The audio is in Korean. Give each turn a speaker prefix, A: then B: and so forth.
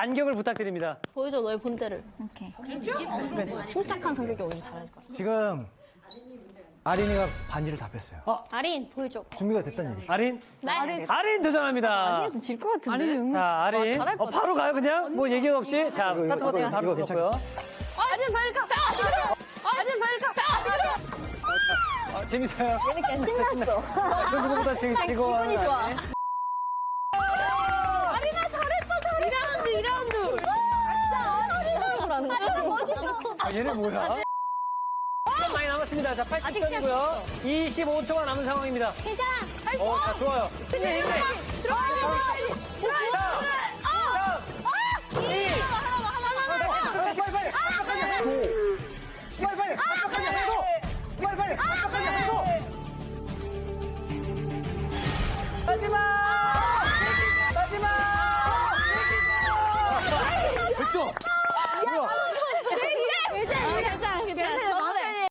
A: 반격을 부탁드립니다.
B: 보여줘 너의 본때를.
C: 오케이.
B: 침착한 성격이 오늘 잘할 거야.
D: 지금 아린이가 반지를 다 뺐어요.
B: 아린 보여줘.
D: 준비가 됐다는 얘기죠.
A: 아린?
B: 네.
A: 아린 도전합니다.
C: 질것 같은데.
A: 자, 아린.
B: 잘할 것 같아.
A: 바로 가요, 그냥? 뭐 얘기 없이? 자,
D: 이거,
A: 스타트 버튼
D: 이거,
A: 바로
D: 이거
A: 눌렀고요.
B: 아린 발가. 아린 발가.
A: 재밌어요.
B: 얘는 신났어.
A: 그 누구보다 즐거워.
B: 기분이 좋아. 아린아 잘했어. 2라운드. 진짜 아린아 멋있어.
A: 얘네 뭐야? 시간 많이 남았습니다. 자, 80점이고요. 25초가 남은 상황입니다.
B: 괜찮아. 할 수.
A: 자, 좋아요. 힘내.
B: 들어와.
A: 됐죠? 뭐야?
B: 괜찮아.